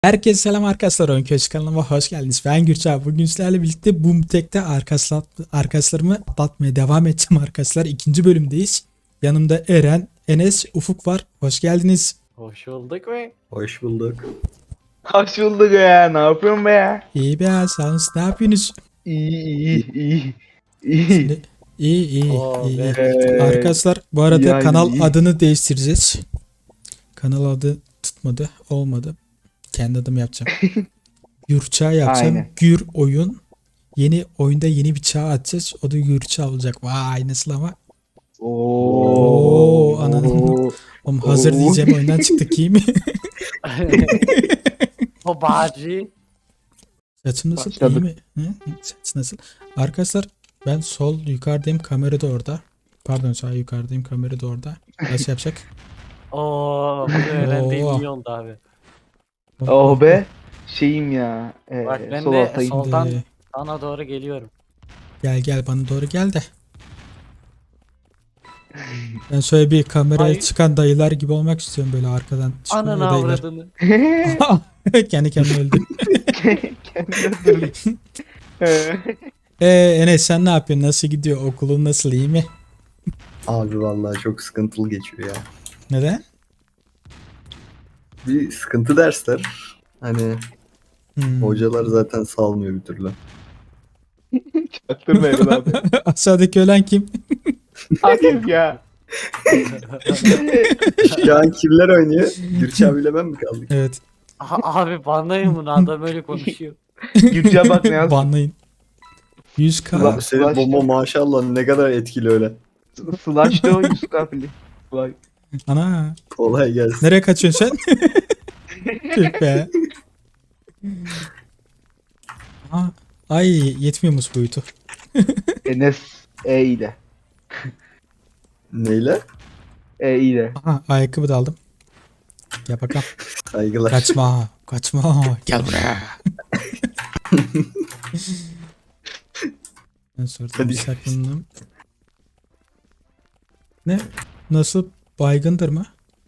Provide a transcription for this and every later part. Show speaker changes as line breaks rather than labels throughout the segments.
Herkese selam arkadaşlar. Oyun Köşk kanalıma hoş geldiniz. Ben Gürçay. Bugün sizlerle birlikte Boomtek'te arkadaşlarımı atlatmaya devam edeceğim arkadaşlar. İkinci bölümdeyiz. Yanımda Eren, Enes, Ufuk var. Hoş geldiniz.
Hoş bulduk be.
Hoş bulduk.
Hoş bulduk ya. Ne yapıyorsun be ya?
İyi be sağ olun. Siz ne yapıyorsunuz?
İyi.
Şimdi, iyi.
Oo,
iyi.
be.
Arkadaşlar bu arada
yani
kanal
iyi.
adını değiştireceğiz. Kanal adı tutmadı. Olmadı. Kendi adımı yapacağım. Gürçay yapacağım.
Aynen.
Gür oyun. Yeni oyunda yeni bir çağ atacağız. O da Gürçay olacak. Vay nasıl ama.
Oo.
Ananı. Oğlum hazır
Oo.
diyeceğim oyundan çıktık iyi mi?
O bağcı.
Saçım nasıl?
Başladık.
İyi mi? Hı? Saç nasıl? Arkadaşlar ben sol yukarıdayım, kamera da orada. Pardon sağ yukarıdayım, kamera da orada. Nasıl yapacak?
Oo, bunu öğrendiğim
Oo.
iyi oldu abi.
Oh be. Şeyim ya.
Bak ben
Sol
de
altayım.
soldan
Şimdi
sana doğru geliyorum.
gel bana doğru gel de. Ben şöyle bir kameraya
Hayır.
çıkan dayılar gibi olmak istiyorum, böyle arkadan çıkıyor
Ananı
dayılar.
avradını.
Kendi kendine öldü.
Kendine dur.
Enes sen ne yapıyorsun? Nasıl gidiyor? Okulun nasıl? İyi mi?
Abi vallahi çok sıkıntılı geçiyor ya.
Neden?
Bir sıkıntı dersler. Hani hocalar zaten salmıyor bir türlü.
Çaktırma Erol abi.
Aşağıdaki ölen kim?
Akif ya.
Şu an kimler oynuyor? Gürçay ile ben mi kaldık?
Evet.
Abi banlayın bunu, adam öyle konuşuyor.
Gürçay bak ne yazdı.
Banlayın. 100k.
Ulan-
Abi senin bomba maşallah ne kadar etkili öyle.
Slash de o Yusuf Afili. Vay.
Ana.
Kolay gelsin.
Nereye kaçıyorsun sen? Tüh be. Aa, ay yetmiyormuş boyutu.
Enes E ile.
Neyle?
E ile.
Aha ayakkabı da aldım. Gel bakalım.
Saygılar.
Kaçma. Gel buraya. Ben sonra
Hadi.
bir saklandım. Ne? Nasıl? Baygındır mı?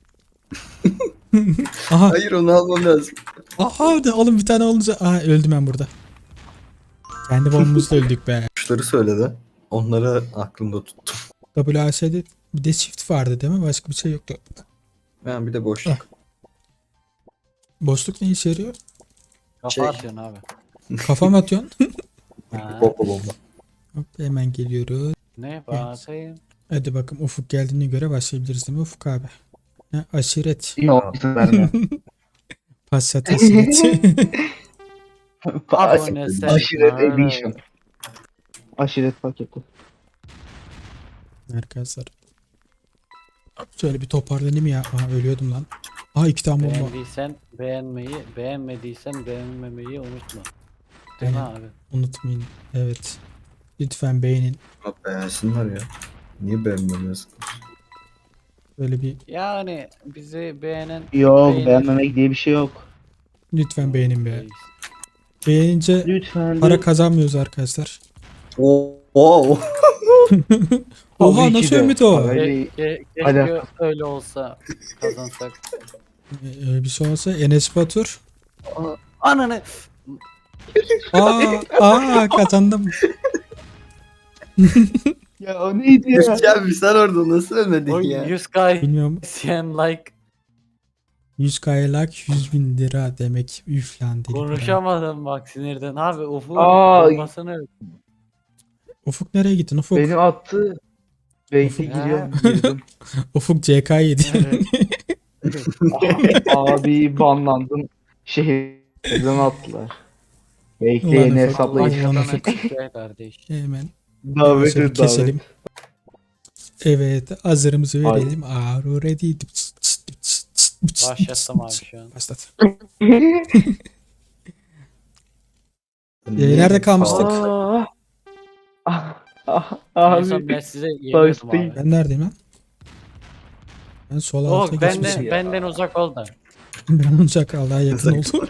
Aha.
Hayır onu almam lazım.
Aha de oğlum bir tane olunca. Aha öldüm ben burada. Kendi bombamızla öldük be.
Kuşları söyledi. Onları aklımda tuttum.
WAS'de bir de shift vardı değil mi? Başka bir şey yoktu.
Ben bir de boşluk.
Boşluk ne işe yarıyor?
Kafa
Şey.
atıyorsun abi.
Kafam atıyorsun.
Ha,
Oh.
Bomba.
Hop, hemen geliyoruz.
ne bakayım.
Hadi bakalım Ufuk geldiğine göre başlayabiliriz değil mi Ufuk abi? Ha, aşiret.
Yok izin verme.
Passat aşiret.
Abone
Aşiret edition. Aşiret paketi.
Arkadaşlar. Şöyle bir toparlanayım ya. Aha, ölüyordum lan. Aa 2 tane bomba.
Beğendiysen beğenmeyi, beğenmediysen beğenmemeyi unutma. Değil mi
Aynen.
abi?
Unutmayın. Evet. Lütfen beğenin.
Ama beğensinler ya. Niye beğenmiyorsun?
Böyle bir
Yani bizi beğenen
Yok
beğenir.
beğenmemek diye bir şey yok.
lütfen beğenin be. Beğenince
Lütfen.
para kazanmıyoruz arkadaşlar.
Oo.
Oha
Tabii ki
nasıl
de.
ümit o?
Öyle-
Keşke
Alakası.
öyle olsa kazansak.
Bir şey olsa Enes Batur.
Ananı.
Aa kazandım.
Ya o neydi ya?
Gürçay bir sen orada nasıl ölmedin
Oy
ya?
100k
Bilmiyorum.
isyan like
100 like 100.000 lira demek. Üf lan dedik.
konuşamadım bak sinirden abi Ufuk'un
Aa.
bombasını
Ufuk nereye gittin Ufuk?
Benim attı. Belki
Ha.
giriyorum. Girdim.
Ufuk CK yedi.
Evet.
Abi banlandın. Şehirden attılar. Belki
Ulan
yeni
Ufuk,
hesapla
ulan
gideceğim.
Başkasına
Ufuk.
çıkıyor kardeş.
Hemen
Davet
şöyle
et davet.
keselim. Evet hazırımızı verelim. Aro ready.
Başlattım abi şu an.
Başlat.
Niye?
Nerede kalmıştık?
Aa.
En son
Abi.
ben size yeniyordum
Baştayım.
abi.
Ben neredeyim lan? Ben sol alta
Oh
geçmişim.
benden uzak ol da.
Ben ancak Allah'a yakın oldum.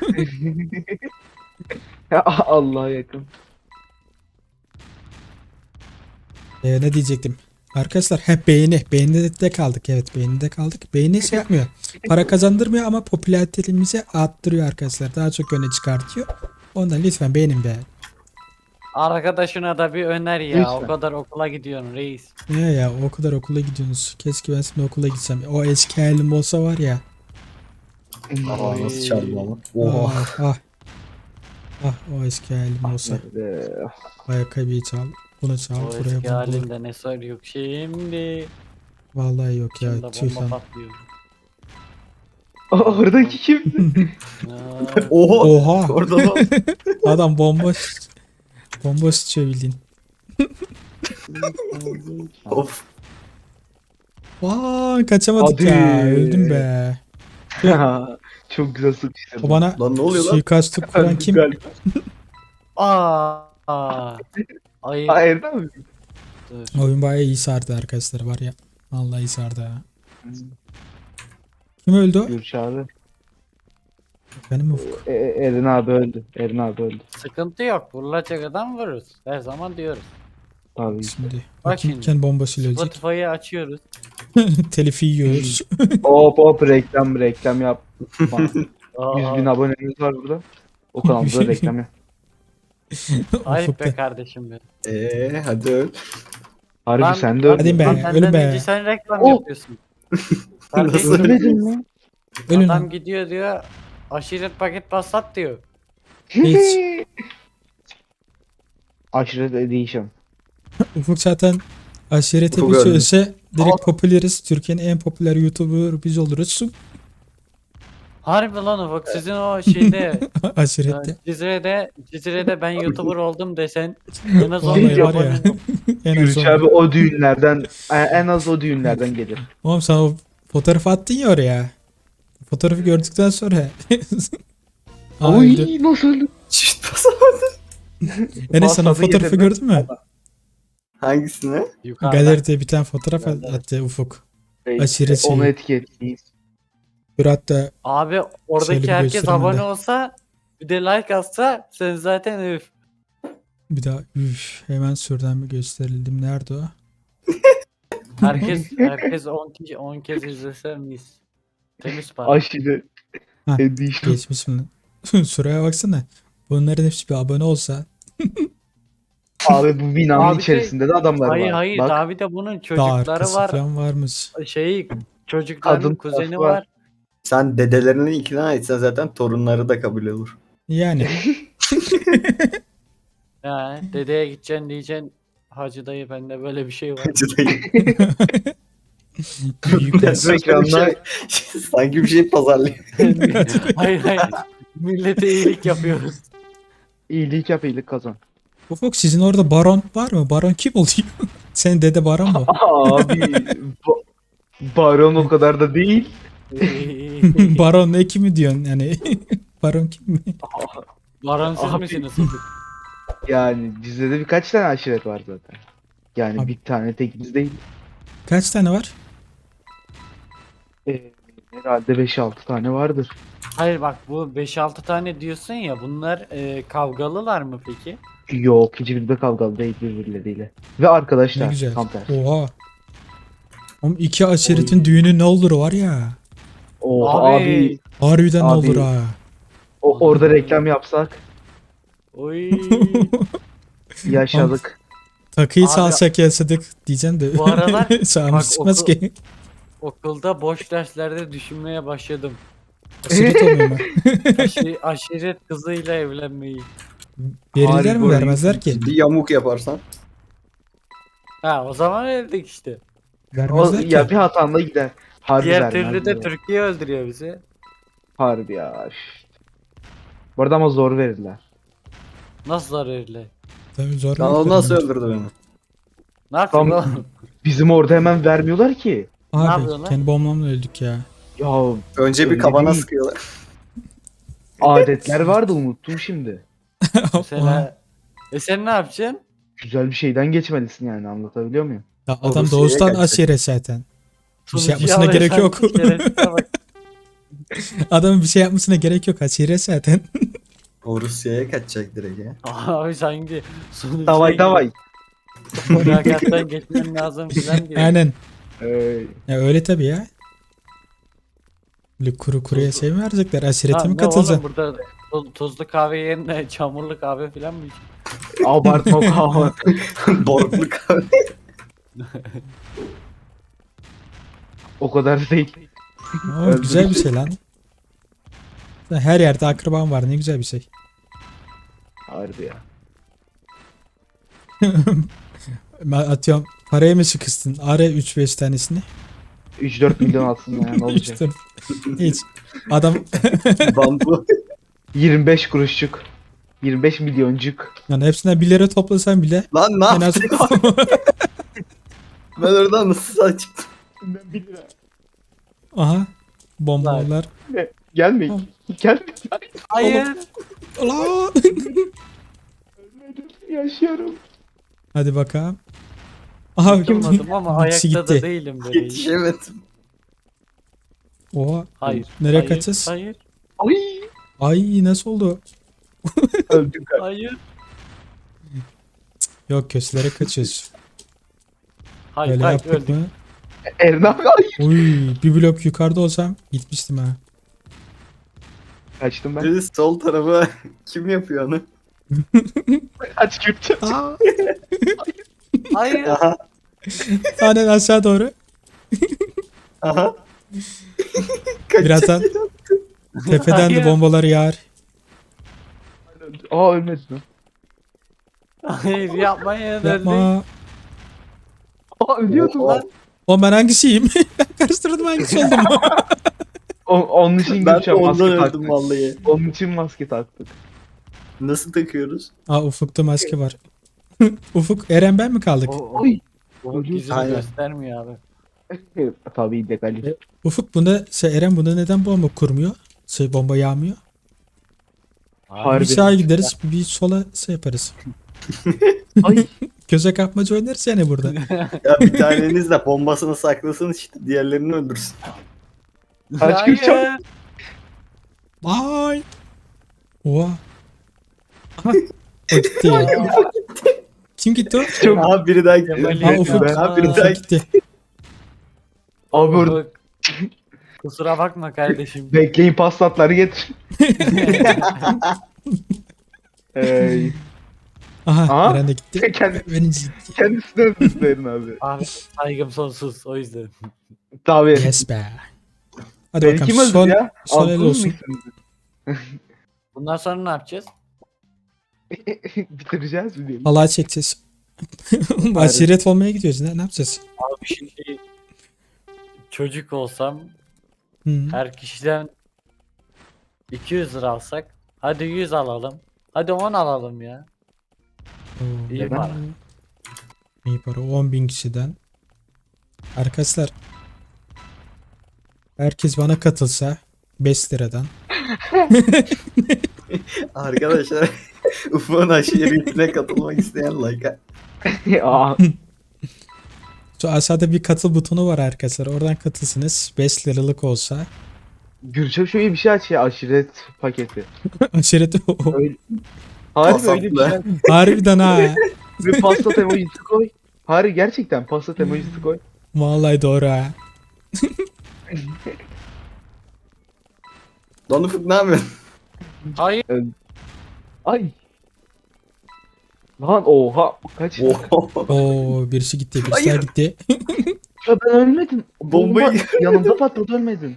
Allah'a yakın.
Ne diyecektim? Arkadaşlar hep beğeni. Beğenide kaldık. Evet beğenide kaldık. Beğeni şey yapmıyor. Para kazandırmıyor ama popülaritemizi arttırıyor arkadaşlar. Daha çok öne çıkartıyor. Ondan lütfen beğenin be.
Arkadaşına da bir öner ya.
Lütfen.
O kadar okula gidiyorsun reis.
Ya o kadar okula gidiyorsunuz. Keşke ben şimdi okula gitsem. O eski halim olsa var ya.
Aa, nasıl çaldı ama. Oha.
Ah, ah. Ah o eski halim olsa. Ayakkabıyı çal. Bunu çal.
O
Buraya
eski
bunu.
halinde ne sor yok şimdi.
Vallahi yok ya.
Şimdi
Tüh
bomba
lan.
patlıyor.
Oradaki kim?
Aa,
Oha.
Oha.
Orada da.
Adam bomba bomba sıçıyor bildiğin.
Of.
Vaa kaçamadık
Hadi.
ya. Öldüm be.
Çok güzel sıkıştırdı.
O bana
Lan ne oluyor lan?
suikastı kuran kim?
Aa. Ay.
Aa Erdem mi?
Dur.
Oyun bayağı iyi sardı arkadaşlar var ya. Vallahi iyi sardı ha. Kim öldü o?
Gürç abi.
Benim Ufuk.
Eren abi öldü. Eren abi öldü.
Sıkıntı yok. Vurulacak adam vururuz. Her zaman diyoruz.
Tabii.
Şimdi.
Bak
Bakayım
şimdi.
kendi bombasıyla ölecek.
Spotify'ı açıyoruz.
Telifi yiyoruz.
Hop hop reklam yap. 100 bin
Aa,
abonemiz var burada. O kanalda reklam yap.
ayıp
Ufuk
be
da.
kardeşim be.
Hadi öl.
Harbi
Lan-
sen de öldün.
Hadi be.
Lan
ölüm
benden
be.
önce sen reklam
Oh.
yapıyorsun. Kardeşim,
Nasıl?
Ölmedin mi?
Ölün
adam
lan.
gidiyor diyor. Aşiret paket basat diyor.
Hiç.
Aşiret Edition.
Ufuk zaten aşirete
Ufuk
bir
öldü.
sözse direkt popüleriz. Türkiye'nin en popüler YouTuber biz oluruz.
Harbi lan Ufuk sizin o şeyde
Aşirette.
Cizire'de ben YouTuber oldum desen en az
Vallahi
12
var ya.
abonem yok.
En az
Gürç
on.
abi o düğünlerden en az o düğünlerden gelir.
Oğlum sen o fotoğrafı attın ya oraya. Fotoğrafı gördükten sonra. Aa, öldü.
Oy nasıl öldü?
Çift basamadı.
Enes sen o
Patladı
fotoğrafı
yedirme.
gördün mü?
Hangisini?
Yukarıda.
Galeride bir tane fotoğraf
Galeride.
attı Ufuk.
Peki,
Aşiret
onu
şeyi.
etiketleyiz.
Bir hatta
Abi
Şöyle
oradaki
bir
herkes
göstereyim
abone
de.
olsa bir de like atsa sen zaten üf.
bir daha hemen şuradan bir gösterildim. Nerede o?
Herkes 10 kez izlese mis. Temiz para.
Aşiret
Ha,
Edition.
Geçmiş mi? Şuraya baksana. Bunların hepsi bir abone olsa.
Abi bu binanın
Abi de-
içerisinde de adamlar
Hayır
var.
hayır
Bak,
daha bir de bunun
Daha
çocukları
arkası
var.
falan varmış.
Çocukların
Kadın
kuzeni
tarafı var.
var.
Sen dedelerini ikna etsen zaten torunları da kabul olur.
Yani.
Ya dedeye gideceksin diyeceksin. Hacı dayı bende böyle bir şey var.
Büyük
bu ekranlar
Sanki bir şey pazarlıyor.
hayır hayır. Millete iyilik yapıyoruz.
iyilik yap iyilik kazan.
Ufuk sizin orada baron var mı? Baron kim oluyor? Senin dede baron mu?
Abi baron o kadar da değil.
Baron ne kimi diyorsun yani? Baron kim mi?
Baron siz
Abi.
misiniz?
Yani bizde de birkaç tane aşiret var zaten. Yani
Abi.
bir tane tekimiz değil.
Kaç tane var?
Herhalde 5-6 tane vardır.
Hayır bak bu 5-6 tane diyorsun ya bunlar kavgalılar mı peki?
Yok hiçbiri de kavgalı değil birbirleriyle. Ve
Ne
arkadaşlar
güzel.
tam tersi.
Oha. Oğlum iki aşiretin düğünü ne olur var ya.
Abi
Harbiden ne
Abi.
olur ha.
orada reklam yapsak
Oy.
yaşadık.
Takıyı
Abi.
salsak yasadık diyeceğim de.
Bu aralar
Sağımız
bak
çıkmaz
okul-
ki.
Okulda boş derslerde düşünmeye başladım.
Aşiret olmuyor mu?
Aşiret kızıyla evlenmeyi.
Verirler mi
Harbi
vermezler ki?
Bir yamuk yaparsan.
Ha o zaman evlendik işte.
Vermezler
Ya
ki.
bir hatanla gider. Harbi
Diğer
vermez
türlü de
ya.
Türkiye öldürüyor bizi.
Harbi ya. Bu arada ama zor verirler.
Nasıl zararlı?
Tabii zor.
Lan o
verirler
nasıl
ama.
öldürdü beni?
Ne yapıyorsun
Tam-
oğlum?
Bizim orada hemen vermiyorlar ki.
Ne
Abi
yapıyorlar?
kendi bombamla öldük ya.
Ya
Önce bir
Öyle
kabana
değil.
sıkıyorlar.
adetler vardı unuttum şimdi.
Mesela sen ne yapacaksın?
Güzel bir şeyden geçmelisin yani anlatabiliyor muyum?
Ya adam
Rusya'ya
doğuştan
kaçacak.
aşiret zaten. Bir şey
Sonucu
yapmasına gerek yok.
alırsan şerefsize bak.
Adamın bir şey yapmasına gerek yok. Aşiret zaten.
O Rusya'ya kaçacak direkt ya.
Abi sanki sonucu
Davay davay.
Mülakattan geçmen lazım filan diyor.
Aynen.
Ee,
Ya öyle tabii ya. Böyle kuru kuruya şey mi verecekler? Aşirete
Ha,
mi
ne oğlum
katılacaksın?
burada tuzlu kahve yerine çamurlu kahve filan mı içiyorsun?
abartma kahve.
Borglu kahve.
O kadar değil.
Oo, güzel bir şey lan. Her yerde akraban var, ne güzel bir şey.
Harbi ya.
Ben atıyorum paraya mı sıkıştın? Ara 3-5 tanesini.
3-4 milyon aslında ya, ne olacak?
İşte hiç. Adam
Bambu.
25 kuruşçuk. 25 milyoncuk.
yani hepsinden 1 lira toplasan bile
Lan ne
en az
yaptın? Ben oradan nasıl sağ çıktım?
Ben 1 lira.
aha bombalar.
Gelmeyin. Gelmeyin.
Hayır.
Ulan!
Ölmedim. Yaşıyorum.
Hadi bakalım. Aha
Durmadım ama
ikisi
ayakta da
gitti.
değilim böyle.
Yetişemedim.
Oha.
Hayır.
Nereye
hayır,
kaçacağız?
Hayır.
Ay.
Ay nasıl oldu?
Öldüm galiba.
Hayır.
Yok köşelere kaçıyoruz.
Hayır.
Öyle
Hayır.
yaptık
Öldük.
mı?
Eren abi ay.
Uy bir blok yukarıda olsam gitmiştim ha.
Kaçtım ben.
Birisi sol tarafa kim yapıyor onu?
Kaç Kürtçe.
Aa,
Hayır.
Aha.
aynen aşağı doğru.
Aha.
Birazdan tepeden de
Hayır.
bombalar yağar.
Aa ölmedin lan.
Hayır yapmayın. Öldük.
Yapma.
Aa ölüyordum lan.
O ben hangisiyim? Ben karıştırdım hangisi oldum.
Onun için
Ben de
Gülşen
ondan
maske
öldüm
taktık.
vallahi.
Onun için maske taktık.
Nasıl takıyoruz?
Aa ufukta maske var. Ufuk Eren ben mi kaldık?
Oy.
Bu yüzünü
Aynen.
göstermiyor abi.
Tabii illegal.
Ufuk bunda Eren bunda neden bomba kurmuyor? Bomba yağmıyor.
Harbi.
Bir sağa gideriz bir sola yaparız.
Ay.
Göze kapmaca oynarız yani burada.
Ya bir taneniz de bombasını saklasın işte diğerlerini öldürsün.
Kaç Gülşen.
Hayır.
Ay. Oha. Aha, o gitti ya. Kim gitti o?
Çok.
Aha biri daha gidiyor.
Kemal
Ha
Yok
Ufuk.
ya.
Aha biri
Ufuk
daha
gitti.
Abi orada
Ufuk. Kusura bakma kardeşim.
bekleyin paslatları getir. Ey.
Aha,
Aha.
Eren de gitti. Benim gitti.
Kendisine öldürdü Eren abi.
Abi saygım sonsuz o yüzden.
Tabii.
Yes be. Hadi
Beni
bakalım
kim öldürdü
son,
ya?
son el
Altın
olsun.
mısınız?
Bundan sonra ne yapacağız?
Bitireceğiz mi diyelim?
Halay çekeceğiz. Aşiret olmaya gidiyoruz. Ne yapacağız?
Abi şimdi çocuk olsam
Hı.
her kişiden 200 lira alsak. Hadi 100 alalım. Hadi 10 alalım ya.
Oo,
İyi para.
İyi para. 10.000 kişiden. Arkadaşlar. Herkes bana katılsa 5 liradan.
Arkadaşlar Ufuk'un aşiretine katılmak isteyen like.
Aa,
Şu aşağıda bir katıl butonu var arkadaşlar. Oradan katılsınız. 5 liralık olsa.
Gürçem şöyle bir şey aç ya, aşiret paketi.
Aşiret
Harbi öyle bir şey.
Pasatla.
harbiden ha.
Ve pasta emojisi koy. Harbi gerçekten pasta emojisi koy.
Vallahi doğru ha.
Lan Ufuk ne yapıyorsun?
Hayır.
Ay. Lan oha kaç.
Oho.
Oo birisi gitti. Birisi
Hayır.
daha gitti.
Ya ben ölmedim.
Bombayı-
Bomba yanımda patladı, ölmedim.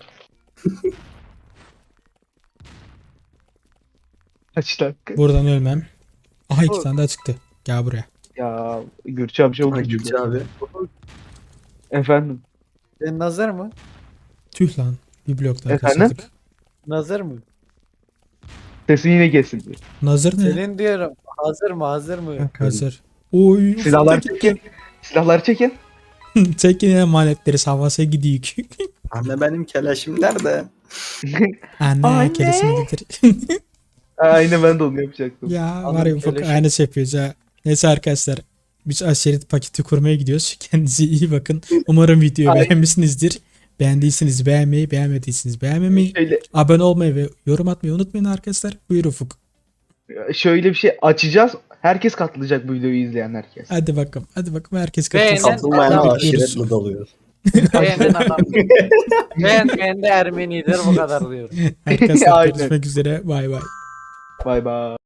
Kaç dakika?
Buradan ölmem. Aha 2 tane daha çıktı. Gel buraya.
Ya Gürçem çok
Ay
güçlü.
Gülçe abi.
Efendim.
Nazır mı?
Tüh lan. Bir blok daha
Efendim?
kaçırdık.
Nazır mı?
Sesin yine kesildi.
Nazır ne?
Senin diyorum. Hazır mı? Hazır mı?
Ha, hazır. Oy.
Silahlar çekin. Silahlar çekin.
Çekin emanetleri havası gidiyor.
Anne benim kelaşım nerede?
Anne,
Anne.
keresini getir.
Aynen ben de onu yapacaktım.
Ya
Annem
var ya ufak
keleşi.
aynısı yapıyoruz ha. Neyse arkadaşlar. Biz aşiret paketi kurmaya gidiyoruz. Kendinize iyi bakın. Umarım videoyu
Ay.
beğenmişsinizdir. Beğendiyseniz beğenmeyi, beğenmediyseniz beğenmemeyi,
Şöyle,
abone olmayı ve yorum atmayı unutmayın arkadaşlar. Buyur Ufuk.
şöyle bir şey açacağız. Herkes katılacak bu videoyu izleyen herkes.
Hadi bakalım. Hadi bakalım herkes
Beğenen-
katılsın.
Katılmayana
Bekliyoruz.
aşiretle dalıyor.
Beğenen adam. Beğenmeyen de Ermenidir bu kadar diyorum.
Arkadaşlar
Aynen.
görüşmek üzere. Bay bay.
Bay bay.